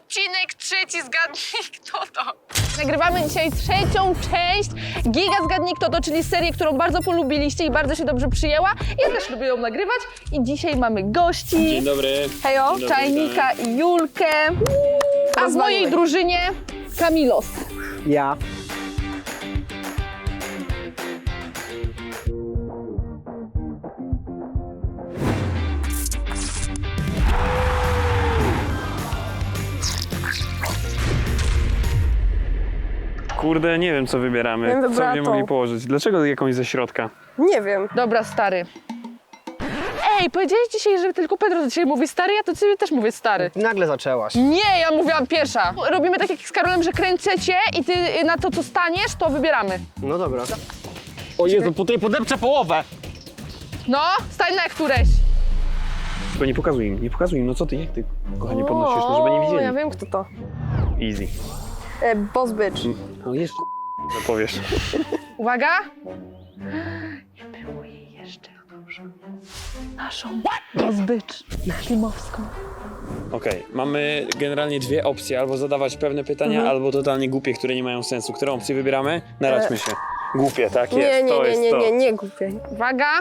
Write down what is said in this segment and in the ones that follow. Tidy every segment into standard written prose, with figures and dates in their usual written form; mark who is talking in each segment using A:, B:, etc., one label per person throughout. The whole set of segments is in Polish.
A: odcinek trzeci, zgadnij kto to. Nagrywamy dzisiaj trzecią część Giga Zgadnij Kto To, czyli serię, którą bardzo polubiliście i bardzo się dobrze przyjęła. Ja też lubię ją nagrywać i dzisiaj mamy gości.
B: Dzień dobry.
A: Hejo,
B: Dzień dobry,
A: Czajnika i Julkę. A w mojej drużynie Kamilos.
C: Ja.
B: Kurde, nie wiem co wybieramy.
D: Ja bym
B: Co
D: wybrała
B: będziemy
D: tą.
B: mogli położyć? Dlaczego jakąś ze środka?
D: Nie wiem.
A: Dobra, stary. Ej, powiedziałeś dzisiaj, że tylko Pedro do ciebie mówi stary, ja to ciebie też mówię stary.
C: Nagle zaczęłaś.
A: Nie, ja mówiłam pierwsza. Robimy tak jak z Karolem, że kręcę cię i ty na to, co staniesz, to wybieramy.
C: No dobra. O Jezu, tutaj podepczę połowę.
A: No, stań na któreś.
B: Tylko nie pokazuj im, no co ty, jak ty, kochanie, podnosisz, no żeby nie widzieli.
D: Ja wiem kto to.
B: Easy.
D: Boss Bitch.
B: No jeszcze no powiesz.
A: Uwaga. Nie było jej jeszcze. Dobrze. Naszą rozbycz ślimowską.
B: Okej, mamy generalnie dwie opcje, albo zadawać pewne pytania, albo totalnie głupie, które nie mają sensu. Którą opcję wybieramy? Naradźmy się. Głupie, tak jest, to jest to.
D: Nie głupie.
A: Uwaga.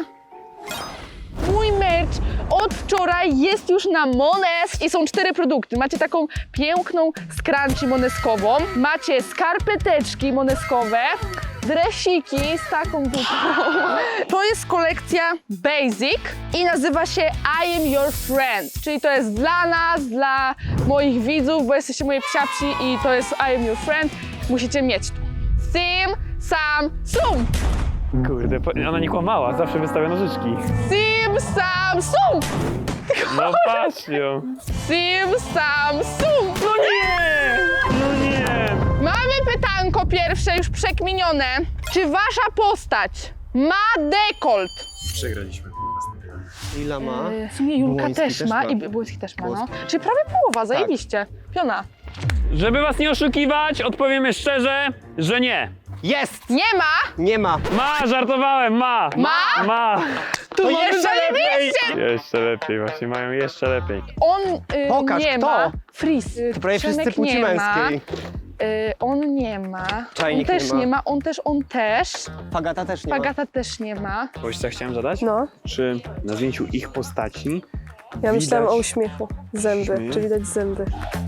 A: Mój merch od wczoraj jest już na Mones i są 4 produkty. Macie taką piękną scrunchie moneskową, macie skarpeteczki moneskowe, dresiki z taką dupą. To jest kolekcja Basic i nazywa się I am your friend, czyli to jest dla nas, dla moich widzów, bo jesteście moje psiapsi i to jest I am your friend. Musicie mieć to. Sim, sam, sum!
B: Kurde, ona nie kłamała, zawsze wystawia nożyczki.
A: Sim, sam, sum!
B: No patrz ją.
A: Sim, sam, sum!
B: No nie! No nie!
A: Mamy pytanko pierwsze, już przekminione. Czy wasza postać ma dekolt?
B: Przegraliśmy.
C: Ila ma?
A: W sumie Julka
C: Błoński
A: też
C: też
A: ma
C: ma.
A: i Błoński też ma, no.
C: Błoński.
A: Czyli prawie połowa, zajebiście. Piona.
B: Żeby was nie oszukiwać, odpowiemy szczerze, że nie.
C: Jest!
A: Nie ma!
C: Nie ma.
B: Ma, żartowałem, ma!
A: Ma?
B: Ma!
A: To jeszcze lepiej!
B: Jeszcze lepiej, właśnie mają jeszcze lepiej.
A: On
C: Pokaż,
A: nie
C: kto?
A: ma. Fris.
C: To prawie
A: Przemek
C: wszyscy płci
A: nie ma.
C: męskiej.
A: On nie ma.
C: Czajnik
A: on też
C: nie ma.
A: nie ma. On też.
C: Fagata też nie
A: Agata też nie ma.
B: Coś co chciałem zadać?
D: No.
B: Czy na zdjęciu ich postaci
D: Ja myślałam
B: widać
D: o uśmiechu. Zęby.
B: Uśmiech?
D: Czy widać zęby?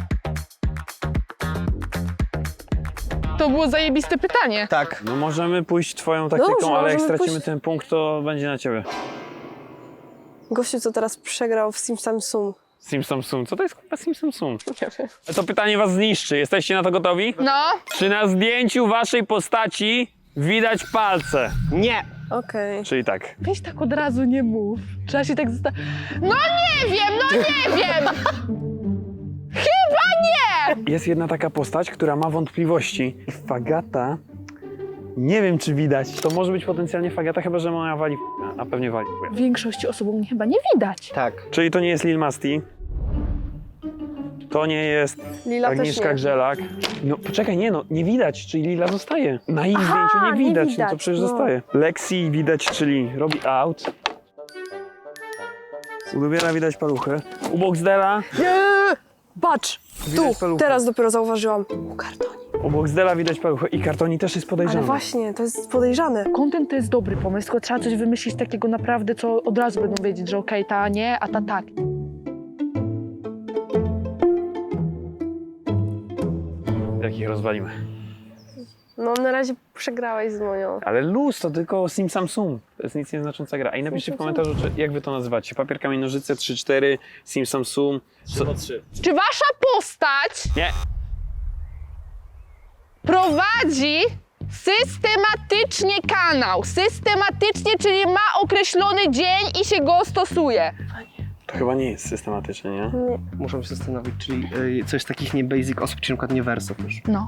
A: To było zajebiste pytanie.
C: Tak.
B: No możemy pójść twoją taktyką,
D: Dobrze,
B: ale jak
D: możemy
B: stracimy
D: pójść-
B: ten punkt, to będzie na ciebie.
D: Gościu, co teraz przegrał w Sim Sam Sum.
B: Simsam Sum. Co to jest kurwa Simsam Sum?
D: Nie wiem.
B: To pytanie was zniszczy. Jesteście na to gotowi?
A: No.
B: Czy na zdjęciu waszej postaci widać palce?
C: Nie.
D: Okej.
B: Czyli tak.
A: Weź tak od razu nie mów. Trzeba się tak zostawić. No nie wiem, no nie wiem! Chyba nie!
B: Jest jedna taka postać, która ma wątpliwości. Fagata. Nie wiem, czy widać. To może być potencjalnie Fagata, chyba że moja wali a pewnie wali.
A: Większości osób mnie chyba nie widać.
C: Tak.
B: Czyli to nie jest Lil Masti. To nie jest
D: Lila też
B: Agnieszka
D: nie.
B: Grzelak. No poczekaj, nie widać, czyli Lila zostaje. Na ich
D: Aha,
B: zdjęciu nie
D: nie
B: widać, no to
D: widać,
B: przecież
D: no.
B: zostaje. Lexi widać, czyli robi out. U Lubiera widać paluchę. U Boxdela,
D: Nie! Patrz!
B: Widać
D: Tu!
B: paluchy.
D: Teraz dopiero zauważyłam. U kartoni.
B: u Boxdela widać paluchę i Kartoni też jest podejrzany.
D: Ale właśnie, to jest podejrzane.
A: Content to jest dobry pomysł, tylko trzeba coś wymyślić takiego naprawdę, co od razu będą wiedzieć, że okej, ta nie, a ta tak.
B: Jak ich rozwalimy.
D: No na razie przegrałeś z moją.
B: Ale luz to tylko Sim Sam Sum. To jest nic nieznacząca gra. I napiszcie w komentarzu, jak wy to nazywacie. Papier, kamień, nożyce, 3-4, Sim Sam Sum. 3-3.
A: Czy wasza postać
B: Nie. prowadzi
A: systematycznie kanał? Systematycznie, czyli ma określony dzień i się go stosuje.
B: To chyba nie jest systematyczne, nie?
C: Muszę się zastanowić, czyli coś takich nie basic osób, czy na przykład nie wersów już.
A: No.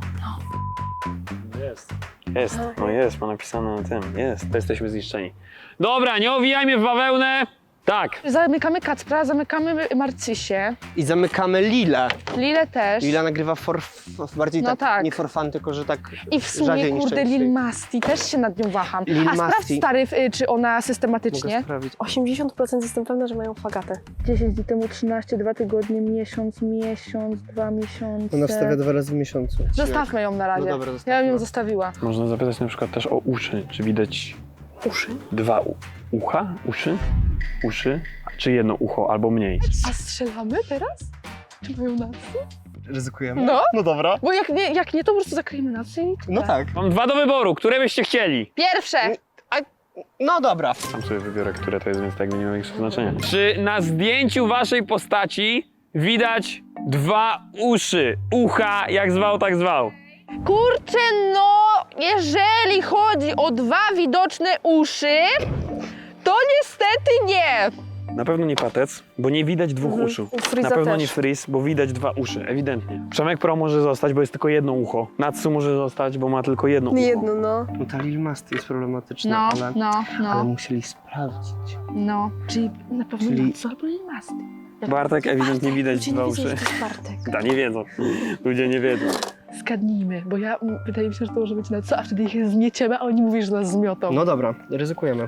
B: Jest, no jest, ma napisane na tym. Jest, to jesteśmy zniszczeni. Dobra, nie owijajmy w bawełnę. Tak.
A: Zamykamy Kacpra, zamykamy Marcysię.
C: I zamykamy Lilę.
A: Lilę też.
C: Lila nagrywa bardziej
A: No
C: tak,
A: tak.
C: nie for fun, tylko że tak
A: I w sumie,
C: rzadziej niż
A: kurde,
C: częściej.
A: Lil Masti, też się nad nią waham.
C: Lil
A: A sprawdź,
C: Masti.
A: stary, czy ona
C: Mogę
A: systematycznie.
C: sprawdzić.
D: 80% jestem pewna, że mają fagatę.
A: 10 dni temu 13, 2 tygodnie, miesiąc, 2 miesiące.
C: Ona wstawia 2 razy w miesiącu.
A: Zostawmy ją na razie.
C: No dobra,
A: Ja
C: zostawmy.
A: bym ją zostawiła.
B: Można zapytać na przykład też o uszy. Czy widać
D: Uszy?
B: dwa ucha? Uszy? Uszy? Czy jedno ucho albo mniej?
A: A strzelamy teraz? Czy mają nas?
C: Ryzykujemy?
A: No.
C: No dobra.
A: Bo jak nie, to po prostu zakryjemy nas i...
C: No tak.
B: Mam dwa do wyboru, które byście chcieli?
A: Pierwsze!
C: No dobra.
B: Sam sobie wybiorę, które to jest, więc tak jakby nie ma większego znaczenia. Czy na zdjęciu waszej postaci widać dwa uszy? Ucha, jak zwał, tak zwał.
A: Kurczę, no, jeżeli chodzi o 2 widoczne uszy, to niestety nie.
B: Na pewno nie patec, bo nie widać dwóch uszu.
D: U Freeza
B: Na pewno
D: też.
B: nie Freeze, bo widać dwa uszy, ewidentnie. Przemek Pro może zostać, bo jest tylko jedno ucho. Natsu może zostać, bo ma tylko jedno ucho.
D: Jedno, no.
C: No ta Lil Masti jest problematyczna,
A: No,
C: ale,
A: no,
C: ale
A: no,
C: musieli sprawdzić.
A: no. Czyli na pewno
C: Czyli-
A: Natsu albo Lil Masti.
B: Bartek ewidentnie widać
D: Ludzie
B: dwa
D: nie wiedzą,
B: uszy.
D: że to jest Bartek.
B: Da, nie wiedzą. Ludzie nie wiedzą.
A: Zgadnijmy, bo wydaje mi się, że to może być Natsu, a wtedy ich zmieciemy, a oni mówią, że nas zmiotą.
C: No dobra, ryzykujemy.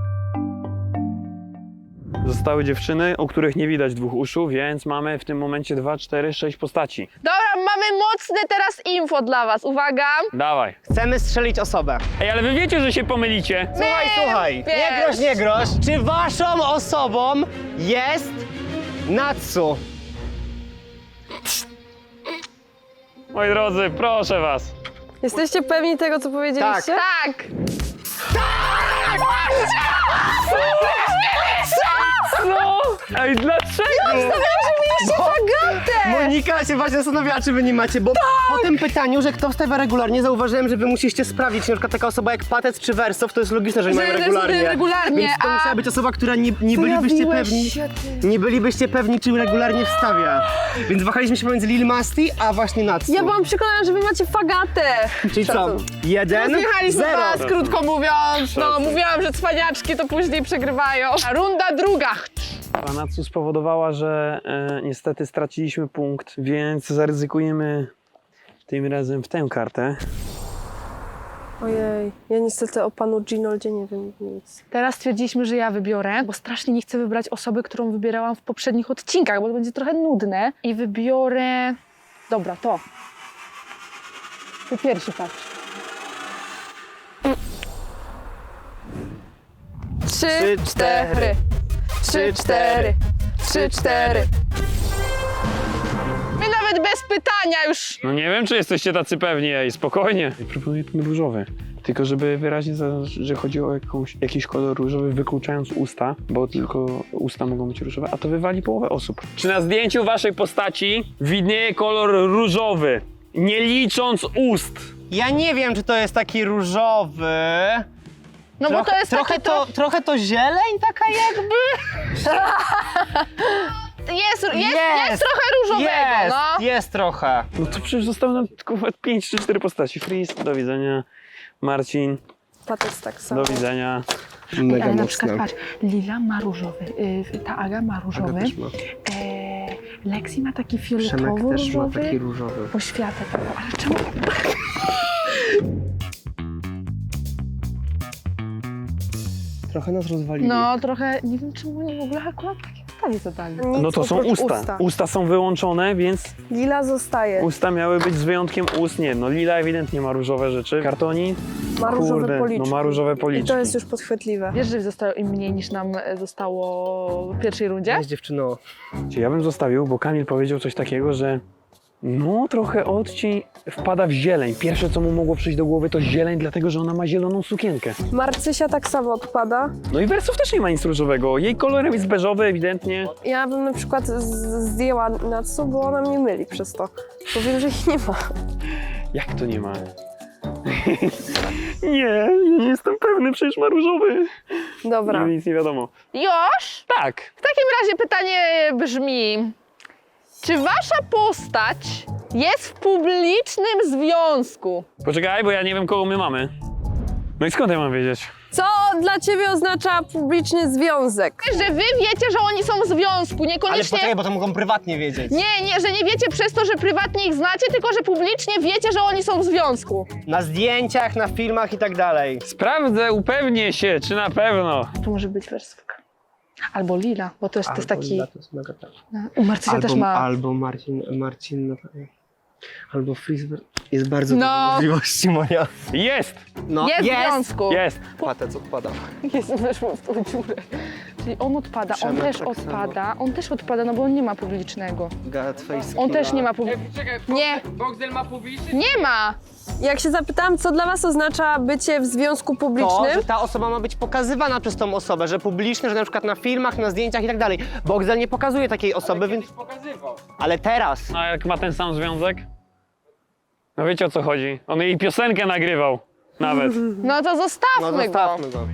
B: Zostały dziewczyny, u których nie widać dwóch uszu, więc mamy w tym momencie 2, 4, 6 postaci.
A: Dobra, mamy mocne teraz info dla was, uwaga.
B: Dawaj.
C: Chcemy strzelić osobę.
B: Ej, ale wy wiecie, że się pomylicie.
C: Słuchaj.
A: wiesz.
C: Nie groź. Czy waszą osobą jest Natsu?
B: Moi drodzy, proszę was.
D: Jesteście pewni tego, co powiedzieliście?
A: Tak.
B: Co? Ej, dlaczego?
C: Monika się właśnie zastanawiała, czy wy nie macie, bo po tym pytaniu, że kto wstawia regularnie, zauważyłem, że wy musicie sprawdzić, czy na przykład taka osoba jak Patec czy Wersow, to jest logiczne, że nie mają regularnie.
A: regularnie,
C: Więc to
A: a-
C: musiała być osoba, która nie bylibyście
D: Pojawiłeś
C: pewni.
D: się, ty.
C: Nie bylibyście pewni, czy regularnie wstawia. Więc wahaliśmy się pomiędzy Lil Masti, a właśnie Natsu.
D: Ja byłam przekonana, że wy macie fagatę.
C: Czyli co?
D: Szacun.
C: 1,
A: Zjechaliśmy
C: 0.
A: was, krótko mówiąc. No,
B: Szacun.
A: mówiłam, że cwaniaczki to później przegrywają. A runda druga.
B: Natsu spowodowała, że niestety straciliśmy punkt, więc zaryzykujemy tym razem w tę kartę.
D: Ojej, ja niestety o panu Ginoldzie nie wiem nic.
A: Teraz stwierdziliśmy, że ja wybiorę, bo strasznie nie chcę wybrać osoby, którą wybierałam w poprzednich odcinkach, bo to będzie trochę nudne. I wybiorę... Dobra, to. Ty pierwszy patrz. 3, 4. 3, 4. 3, 4. My nawet bez pytania już...
B: No nie wiem, czy jesteście tacy pewni, ej, spokojnie. Proponuję ten różowy. Tylko żeby wyraźnie zaznaczyć, że chodzi o jakiś kolor różowy, wykluczając usta, bo tylko usta mogą być różowe, a to wywali połowę osób. Czy na zdjęciu waszej postaci widnieje kolor różowy, nie licząc ust?
C: Ja nie wiem, czy to jest taki różowy.
A: No bo to jest takie...
C: Trochę to zieleń taka jakby?
A: Jest trochę różowego, no.
C: Jest trochę.
B: No to przecież zostały nam tylko 5 czy 4 postaci. Freeze, do widzenia. Marcin,
D: Patec tak samo.
B: do widzenia.
C: Mega
A: Ale na
C: mocne.
A: przykład patrz, Lila ma różowy, ta Aga ma różowy,
C: Aga też ma.
A: Lexi ma taki
C: Przemek też ma
A: fioletowo-różowy,
C: taki różowy.
A: poświatę taką, ale czemu?
C: Trochę nas rozwalili.
A: No trochę, nie wiem czemu oni w ogóle akurat takie pytanie zadali.
D: Nic
B: No to są
D: oprócz
B: usta. Usta są wyłączone, więc
D: Lila zostaje.
B: usta miały być z wyjątkiem ust. Nie, no Lila ewidentnie ma różowe rzeczy. Kartoni?
D: Ma różowe
B: Kurde,
D: policzki.
B: no ma różowe
D: I
B: policzki.
D: to jest już podchwytliwe.
A: Wiesz, że zostało im mniej niż nam zostało w pierwszej rundzie?
C: Jest dziewczyno.
B: Ja bym zostawił, bo Kamil powiedział coś takiego, że no trochę odcień wpada w zieleń. Pierwsze, co mu mogło przyjść do głowy, to zieleń, dlatego że ona ma zieloną sukienkę.
D: Marcysia tak samo odpada.
B: No i Wersow też nie ma nic różowego. Jej kolorem jest beżowy ewidentnie.
D: Ja bym na przykład zdjęła Natsu, bo ona mnie myli przez to. Bo wiem, że ich nie ma.
B: Jak to nie ma? Nie, ja nie jestem pewny, przecież ma różowy.
D: Dobra.
B: Nic nie wiadomo.
A: Już?
B: Tak.
A: W takim razie pytanie brzmi, czy wasza postać jest w publicznym związku?
B: Poczekaj, bo ja nie wiem, kogo my mamy. No i skąd ja mam wiedzieć?
D: Co dla ciebie oznacza publiczny związek?
A: Że wy wiecie, że oni są w związku,
C: Ale
A: niekoniecznie...
C: poczekaj, bo to mogą prywatnie wiedzieć.
A: Nie, że nie wiecie przez to, że prywatnie ich znacie, tylko że publicznie wiecie, że oni są w związku.
C: Na zdjęciach, na filmach i tak dalej.
B: Sprawdzę, upewnię się, czy na pewno.
A: To może być wersówka. Albo Lila, bo to jest taki...
C: To jest mega tak.
A: U Marcysia też ma...
C: Albo Marcin, albo Frisbee. Jest bardzo
A: No.
C: dużo możliwości, Monia.
B: Jest!
C: No,
A: Jest w związku.
B: Jest!
C: Patec odpada.
A: Jest, weszło w tą dziurę. Czyli on odpada, on
C: Przemek
A: też
C: tak
A: odpada, on też odpada, no bo on nie ma publicznego.
C: Gatface.
A: On też nie ma publicznego.
E: Czekaj,
A: Nie.
E: Boxdel ma publiczny?
A: Nie ma!
D: Jak się zapytałam, co dla was oznacza bycie w związku
C: To,
D: publicznym,
C: że ta osoba ma być pokazywana przez tą osobę, że publiczne, że na przykład na filmach, na zdjęciach i tak dalej. Boxdel nie pokazuje takiej osoby, więc...
E: Pokazywał.
C: Ale teraz.
B: A jak ma ten sam związek? No wiecie o co chodzi. On jej piosenkę nagrywał. Nawet.
A: No to zostawmy,
C: No zostawmy go.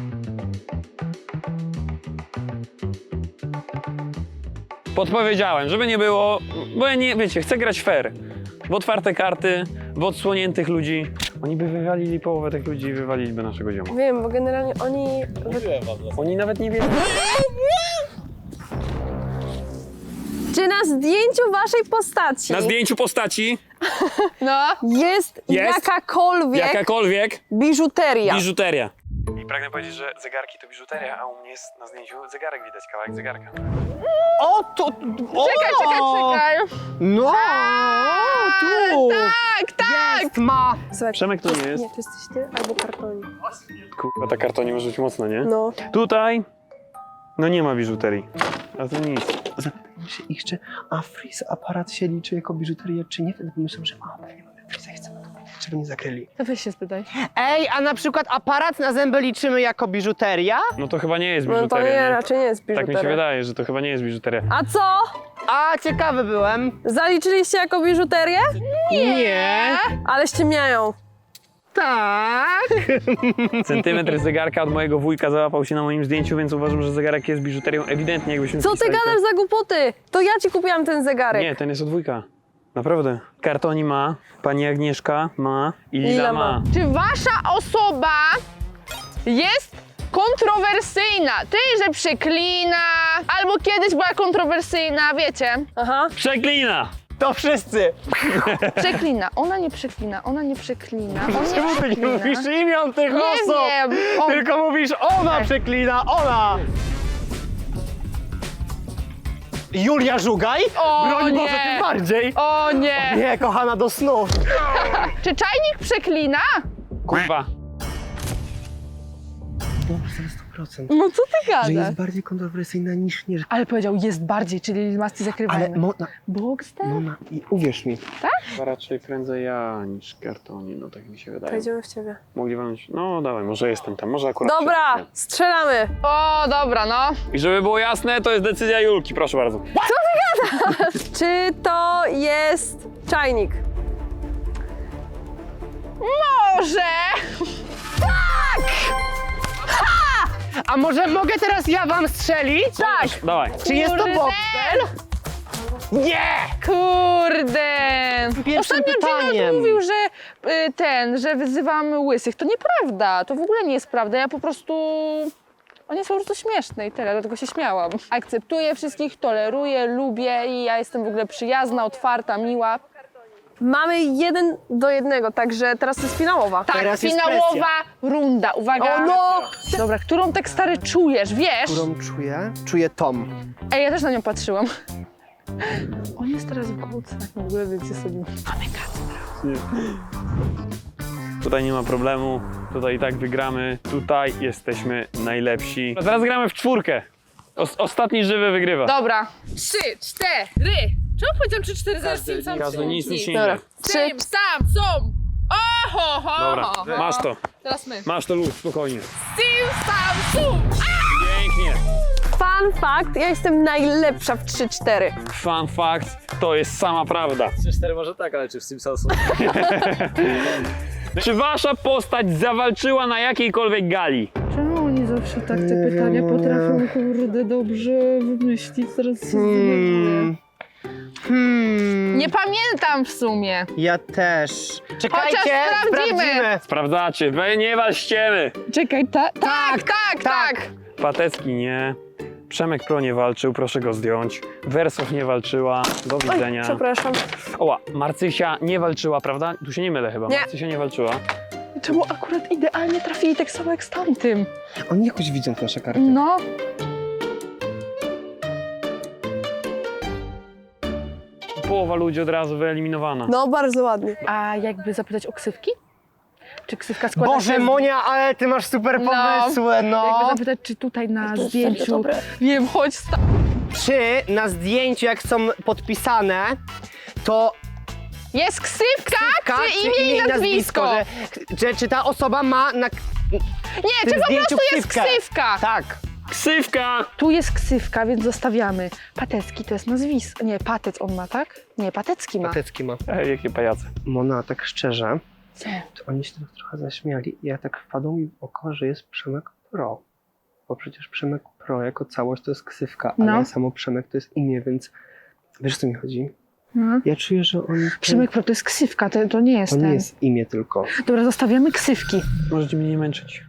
B: Podpowiedziałem, żeby nie było, bo ja nie, wiecie, chcę grać fair. W otwarte karty, w odsłoniętych ludzi. Oni by wywalili połowę tych ludzi i wywaliliby naszego zioma.
D: wiem, bo generalnie oni...
B: Oni nawet nie wiedzą.
D: Czy na zdjęciu waszej postaci
B: Na zdjęciu postaci
A: No.
D: jest jakakolwiek biżuteria?
B: biżuteria. I pragnę powiedzieć, że zegarki to biżuteria, a u mnie jest na zdjęciu zegarek widać, kawałek zegarka.
C: O, to... O!
A: Czekaj.
C: No! Tu!
A: Tak!
C: Jest, ma!
D: Słuchaj,
B: Przemek to nie jest.
D: Nie, to jesteś ty albo kartonik.
B: Kurwa, ta kartonie może być mocna, nie?
D: No.
B: Tutaj, no nie ma biżuterii. A to nic.
C: Zapytam się ich, czy aparat się liczy jako biżuteria, czy nie. Wtedy pomyślałem, że pewnie mamy Freeza i chcemy to powiedzieć, żeby nie zakryli.
A: To weź się spytaj.
C: Ej, a na przykład aparat na zęby liczymy jako biżuteria?
B: No to chyba nie jest
D: No to
B: biżuteria,
D: nie,
B: nie?
D: raczej nie jest
B: Tak mi się
D: biżuteria.
B: wydaje, że to chyba nie jest biżuteria.
D: A co?
C: A, ciekawy byłem.
D: Zaliczyliście jako biżuterię?
C: Nie.
D: Ale ściemniają.
C: Tak.
B: Centymetr zegarka od mojego wujka załapał się na moim zdjęciu, więc uważam, że zegarek jest biżuterią ewidentnie, jakbyśmy
D: Co ty
B: wpisali to-
D: gadasz za głupoty? To ja ci kupiłam ten zegarek.
B: Nie, ten jest od wujka. Naprawdę. Kartoni ma, pani Agnieszka ma i Lila
D: Lila
B: ma.
D: ma.
A: Czy wasza osoba jest kontrowersyjna? Ty, że przeklina, albo kiedyś była kontrowersyjna, wiecie?
D: Aha.
B: Przeklina!
C: To wszyscy.
A: Przeklina, ona nie przeklina, ona nie przeklina, on nie
C: Czemu ty nie
A: przeklina.
C: mówisz imion tych
A: Nie
C: osób?
A: wiem, on...
C: Tylko mówisz ona przeklina, ona. Julia Żugaj?
A: O,
C: Broń
A: nie.
C: Boże, tym bardziej.
A: O nie!
C: Nie, kochana, do snu.
A: Czy czajnik przeklina?
B: Kurwa.
C: No, 100%.
A: No co ty
C: Że
A: gadasz?
C: jest bardziej kontrowersyjna niż nie.
A: Ale powiedział jest bardziej, czyli masty
C: Ale
A: zakrywajmy. Boxdel?
C: Mona, i uwierz mi.
B: Chyba raczej prędzej ja niż kartoni, no tak mi się wydaje.
D: Pojedziemy w ciebie.
B: Mogli walnąć, no dawaj, może jestem tam, może akurat
D: Dobra,
B: przeklnę.
D: strzelamy.
A: O, dobra, no.
B: I żeby było jasne, to jest decyzja Julki, proszę bardzo.
D: Czy to jest czajnik?
A: Może!
C: A może mogę teraz ja wam strzelić?
D: Tak.
B: Dawaj.
C: Czy jest to
A: Kurde.
C: Boxdel? Nie!
A: Kurde!
C: Pierwszym
A: Ostatnio
C: pytaniem.
A: Gino mówił, że że wyzywamy łysych. To nieprawda, to w ogóle nie jest prawda. Ja po prostu... Oni są po prostu śmieszne i tyle, dlatego się śmiałam. Akceptuję wszystkich, toleruję, lubię i ja jestem w ogóle przyjazna, otwarta, miła.
D: Mamy 1-1, także teraz to jest finałowa.
A: Tak,
C: Teraz jest
A: finałowa runda, uwaga.
D: O no!
A: Dobra, którą tak stary czujesz, wiesz?
C: Którą czuję? Czuję Tom.
A: Ej, ja też na nią patrzyłam. On jest teraz w kołcach, w ogóle wiecie sobie.
B: Tutaj nie ma problemu, tutaj i tak wygramy, tutaj jesteśmy najlepsi. A teraz gramy w czwórkę. Ostatni żywy wygrywa.
A: Dobra. 3, 4. Czemu powiedziałam 3, 4, zaraz tym sam
B: Każdy nic nie
D: Dobra.
B: idzie.
A: Tym sam są. Oho, ho,
B: Dobra,
A: ho, ho.
B: masz to.
A: Teraz my.
B: Masz to luz, spokojnie.
A: Tym sam są.
B: Pięknie.
D: Fun fact, ja jestem najlepsza w 3-4.
B: Fun fact, to jest sama prawda.
F: 3-4 może tak, ale czy w Simpsonsu?
B: Czy wasza postać zawalczyła na jakiejkolwiek gali?
A: Czemu oni zawsze tak te pytania potrafią, kurde, dobrze wymyślić? Zaraz się zdenerwuję. Nie pamiętam w sumie.
C: Ja też. Czekajcie,
A: Chociaż sprawdzimy.
B: Sprawdzacie, wy nie walczcie.
A: Czekaj, tak.
B: Patecki nie. Przemek Pro nie walczył, proszę go zdjąć. Wersow nie walczyła, do widzenia.
D: Przepraszam.
B: Oła, Marcysia nie walczyła, prawda? Tu się nie mylę chyba,
D: Nie.
B: Marcysia nie walczyła.
A: Czemu akurat idealnie trafili tak samo jak z tamtym?
C: Oni jakoś widzą te nasze karty.
A: No.
B: Połowa ludzi od razu wyeliminowana.
D: No, bardzo ładnie.
A: A jakby zapytać o ksywki? Czy ksywka składa
C: Boże,
A: się...
C: Monia, ale ty masz super
A: No.
C: pomysły, no.
A: Jakby zapytać, czy tutaj na zdjęciu...
D: dobre.
A: Wiem, chodź
C: Czy na zdjęciu, jak są podpisane, to
A: Jest ksywka, czy imię i nazwisko?
C: Czy ta osoba ma na
A: Nie,
C: tym
A: czy po
C: zdjęciu
A: prostu jest
C: ksywkę?
A: ksywka?
C: Tak.
B: Ksywka!
A: Tu jest ksywka, więc zostawiamy. Patecki to jest nazwisko. Nie, Patec on ma, tak? Nie, Patecki ma.
C: Patecki ma.
B: Jakie pajace.
C: Mona, tak szczerze,
A: Co?
C: to oni się tak trochę zaśmiali i ja tak wpadło mi w oko, że jest Przemek Pro. Bo przecież Przemek Pro jako całość to jest ksywka, ale
A: No.
C: samo Przemek to jest imię, więc wiesz, o co mi chodzi?
A: No.
C: Ja czuję, że oni...
A: Przemek Pro to jest ksywka, to nie jest
C: To nie
A: ten.
C: jest imię tylko.
A: Dobra, zostawiamy ksywki.
B: Możecie mnie nie męczyć.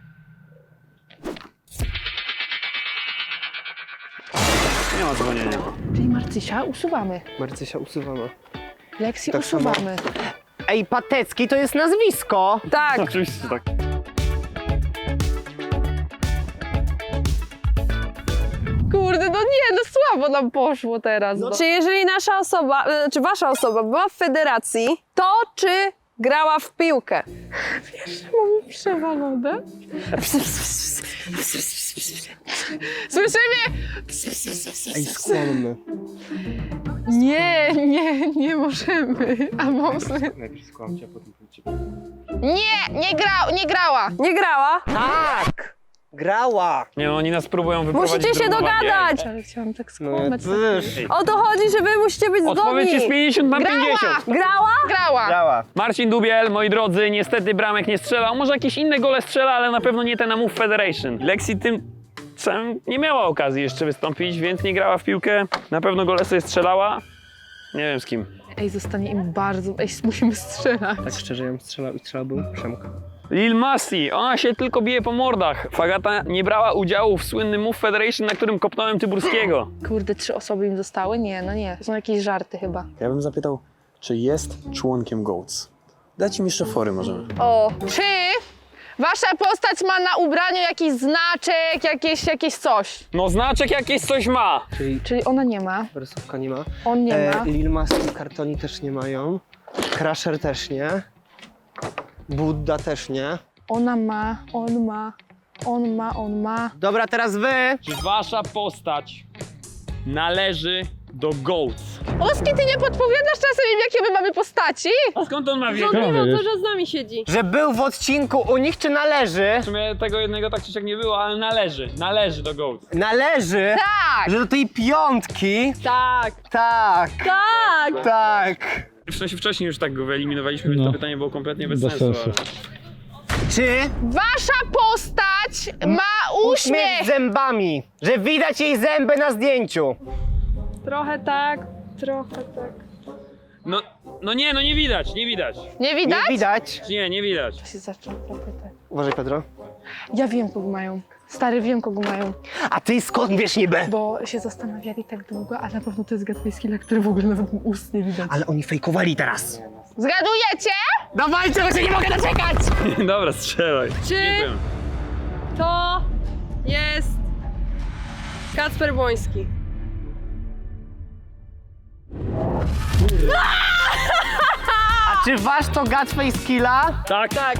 B: Nie ma dzwonienia.
A: Czyli Marcysia usuwamy.
C: Marcysia usuwana.
A: Lexi
C: Tak samo.
A: usuwamy.
C: Ej, Patecki to jest nazwisko!
D: Tak.
B: Oczywiście tak.
A: Kurde, no nie, no słabo nam poszło teraz. No.
D: Czy jeżeli nasza osoba, czy wasza osoba była w federacji, to czy grała w piłkę?
A: Mamy przewalone. Słyszymy?
C: Ej, skłonny.
A: Nie możemy. A może...
C: Najpierw skłamcie, a potem pójdźcie.
A: Nie grała.
D: Nie grała?
C: Tak! Grała!
B: Nie, oni nas próbują wyprowadzić
D: Musicie
B: z
D: się
B: równowagi.
D: dogadać!
A: Ale chciałam tak
C: No
A: skłamać.
C: wiesz.
D: O to chodzi, że wy musicie być
B: Odpowiedź jest
D: zgodni.
B: 50 na
A: Grała!
B: 50.
D: Grała?
A: Grała.
C: Grała.
B: Marcin Dubiel, moi drodzy, niestety bramek nie strzelał. Może jakieś inne gole strzela, ale na pewno nie ten na Move Federation. Lexi tym samym nie miała okazji jeszcze wystąpić, więc nie grała w piłkę. Na pewno gole sobie strzelała. Nie wiem z kim.
A: Ej, zostanie im bardzo... Ej, musimy strzelać.
C: Tak szczerze, ja bym strzelałbym w Przemka.
B: Lil Masi, ona się tylko bije po mordach. Fagata nie brała udziału w słynnym Move Federation, na którym kopnąłem Tyburskiego.
A: Kurde, 3 osoby im zostały? Nie, no nie. To są jakieś żarty chyba.
B: Ja bym zapytał, czy jest członkiem GOATS. Dajcie mi jeszcze fory możemy.
D: O,
A: Czy wasza postać ma na ubraniu jakiś znaczek, jakieś coś?
B: No znaczek jakieś coś ma.
A: Czyli ona nie ma,
C: Wersówka nie ma.
A: on nie ma.
C: Lil Mas i Kartoni też nie mają. Crusher też nie. Buddha też nie.
A: Ona ma, on ma.
C: Dobra, teraz wy!
B: Czy wasza postać należy do GOATS?
A: Oski, ty nie podpowiadasz czasem im, jakie my mamy postaci?
B: A skąd on ma
D: on nie
B: wiedzieć?
D: wie, że z nami siedzi.
C: Że był w odcinku u nich, czy należy?
B: W sumie tego jednego tak czy siak nie było, ale należy do GOATS.
C: Należy!
A: Tak!
C: Że do tej piątki?
D: Tak.
C: Tak!
D: Tak.
C: Tak!
B: W sensie wcześniej już tak go wyeliminowaliśmy, więc to pytanie było kompletnie bez sensu. Ale...
C: Czy
A: Wasza postać ma
C: uśmiech
A: uśmiech!
C: z zębami? Że widać jej zęby na zdjęciu?
D: Trochę tak, trochę tak.
B: No nie widać.
A: Nie widać?
C: Nie widać.
B: Nie widać.
A: To się zaczął zapytać.
C: Uważaj, Pedro.
A: Ja wiem, kogo mają. Stary, wiem, kogo mają.
C: A ty skąd wiesz niby?
A: Bo się zastanawiali tak długo, a na pewno to jest Gatwayskilla, który w ogóle nawet ust nie widać.
C: Ale oni fejkowali teraz.
A: Zgadujecie?
C: Dawajcie, bo się nie mogę doczekać!
B: Dobra, strzelaj.
D: Czy-
B: Nie wiem.
D: To jest Kacper Błoński.
C: A czy wasz to Gatface Killa?
B: Tak?
D: Tak.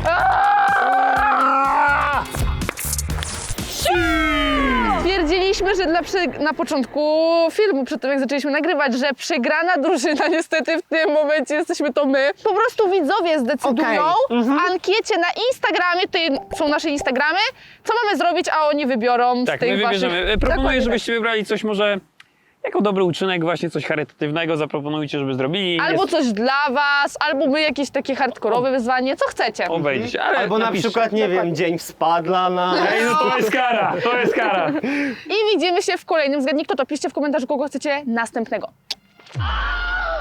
A: Stwierdziliśmy, że na początku filmu, przed tym jak zaczęliśmy nagrywać, że przegrana drużyna, niestety w tym momencie jesteśmy to my. Po prostu widzowie zdecydują w ankiecie na Instagramie, tutaj są nasze Instagramy, co mamy zrobić, a oni wybiorą z
B: Tak, my
A: tych
B: wybierzemy.
A: waszych...
B: Proponuję,
A: Dokładnie
B: żebyście wybrali coś może jako dobry uczynek, właśnie coś charytatywnego zaproponujcie, żeby zrobili.
A: tak. Albo coś dla was, albo my jakieś takie hardkorowe wyzwanie, co chcecie.
B: Obejdzie, ale
C: Albo na
B: napiszcie.
C: przykład, nie wiem, dzień spadla na...
B: Ej, no to jest kara, to jest kara.
A: I widzimy się w kolejnym. Zgadnij kto to, piszcie w komentarzu, kogo chcecie następnego.